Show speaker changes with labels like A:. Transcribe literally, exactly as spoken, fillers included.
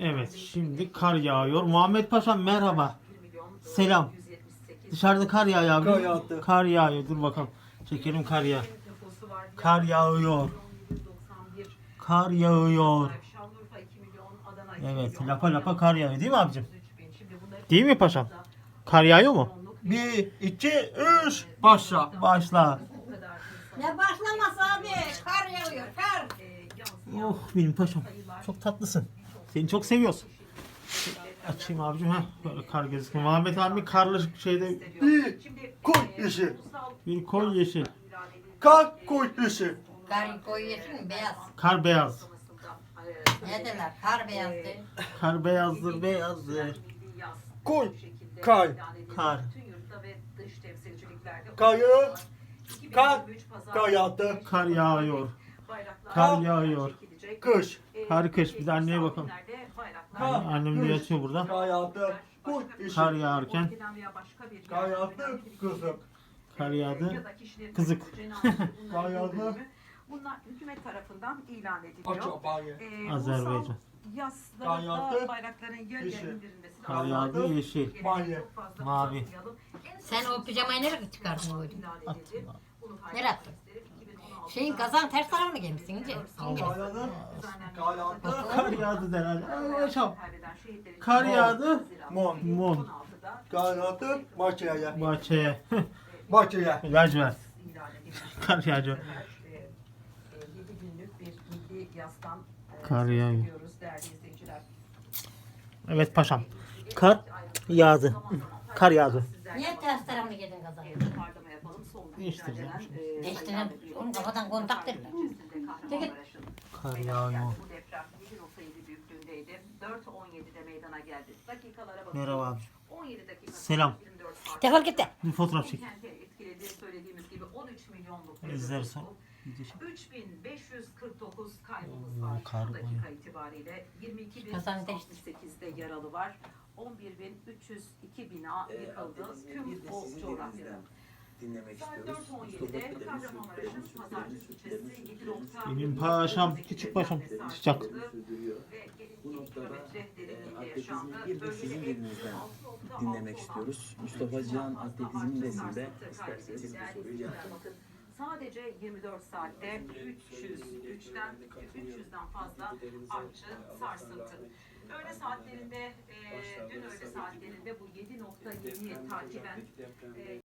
A: Evet, şimdi kar yağıyor. Muhammed Paşam merhaba. Selam. Dışarıda kar yağıyor abi.
B: Kar yağdı.
A: Kar yağıyor. Dur bakalım. Çekelim kar yağ. Kar yağıyor. Kar yağıyor. Evet, lapa lapa kar yağıyor değil mi abicim? Değil mi paşam? Kar yağıyor mu?
B: Bir, iki, üç, başla.
A: Başla.
C: Ne başlaması abi? Kar yağıyor, kar.
A: Oh benim paşam. Çok tatlısın. Seni çok seviyoruz. Açayım abicim ha. Böyle kar gözüküyor. Muhammed abi karlı şeyde
B: Bir, koy yeşil.
A: bir koy yeşil.
B: Kar koy yeşil.
C: Kar koyu yeşil mi? Beyaz.
A: Kar beyaz.
C: Ne derler? Kar beyazdı.
A: Kar beyazdır beyazdır.
B: Koy, kar.
A: Kar.
B: Kayı, kar, kar yağdı.
A: Kar yağıyor. Kar yağıyor.
B: Kış.
A: Kar kış. Bir de anneye bakalım.
B: Kar,
A: Annem de
B: kış.
A: yatıyor burada.
B: Kar yağdı. Koy yeşil.
A: Kar yağarken
B: Kar yağdı. Kızık.
A: kar yağdı. Kızık.
B: Kar yağdı.
D: Bunlar hükümet tarafından ilan
B: Aç
D: ediliyor.
B: abayı.
D: Ee,
A: Azerbaycan.
D: ulusal
B: Kar
D: Yaslarında
B: yağdı.
D: bayrakların yer
B: Yeşil.
D: yer indirilmesi
A: Kar
D: lazım.
A: yağdı yeşil.
D: Gelene
B: Mavi.
D: çok fazla
A: Mavi.
D: uzatmayalım. En
C: Sen o pijamayı nereye çıkardın böyle?
D: ilan edildi. Bunu
C: Nereye attın?
D: gösterip iki bin on altıda
C: Şeyin kazan ters tarafını giymişsin ince. İnce.
B: Kar yağdı. Kar yağdı.
A: Kar yağdı derhal. Ay paşam.
D: kaybeden şehitlerin
A: Kar yağdı.
B: Mon.
A: Mon.
D: on altıda
B: Kar yağdı. Bahçeye.
A: Bahçeye.
B: Bahçeye.
A: Lacivert.
D: ilan edilmiş.
A: Kar yağıyor.
D: yedi günlük bir milli yastan e,
A: Kar
D: söz
A: yağıyor.
D: ediyoruz değerli izleyiciler.
A: Evet paşam. Kar yağdı. Kar yağdı.
C: Niye ters tarafını giydin kazan?
D: Toparlama yapalım. Son
A: Değiştireceğim.
D: günlerden, e,
C: Değiştirin. Onun kafadan kontak derler. Çekil.
A: Kar yağıyor.
D: Bu deprem yedi nokta yedi büyüklüğündeydi. dört on yedide meydana geldi. Dakikalara bakın.
A: Merhaba abi.
D: on yedi dakika.
A: Selam.
D: yirmi dört saat.
C: Defol git de.
A: Bir fotoğraf çek.
D: Kenti etkiledi. Söylediğimiz gibi on üç milyonluk bir
A: İzlersen.
D: nüfusu. üç bin beş yüz kırk dokuz kaybımız
A: Oo,
D: var.
A: kar
D: Bu dakika
A: bayağı.
D: itibariyle yirmi iki bin
C: Kazan
D: altmış sekizde yaralı var. on bir bin üç yüz iki bina yıkıldı. Tüm o coğrafyada.
E: Dinlemek
D: Saat
E: istiyoruz.
D: dört on
E: Mustafa
D: yedide
E: Bey'lerin
D: Kahramanmaraş'ın
E: sözlerini,
D: Pazarcık
E: sözlerini,
D: ilçesi
E: sözlerini
D: yedi nokta
A: Benim paşam, küçük paşam. Sıcak.
E: sürdürüyor.
D: ve
E: Bu
D: iki
E: noktada
D: kilometre
E: e,
D: derinliğinde yaşandı.
E: atletizmi bir de sizin
D: Bölgede
E: dilinizden
D: altı nokta altı
E: dinlemek
D: olan
E: istiyoruz. Mustafa Cihan Atletizm desinde isterseniz bu
D: Değerli
E: soruyu
D: izleyiciler,
E: cevaplayın.
D: bakın, sadece yirmi dört saatte üç yüz üçten üç yüzden fazla artçı sarsıntı. Öğle saatlerinde, e, dün öğle saatlerinde bu yedi nokta yediyi takiben e,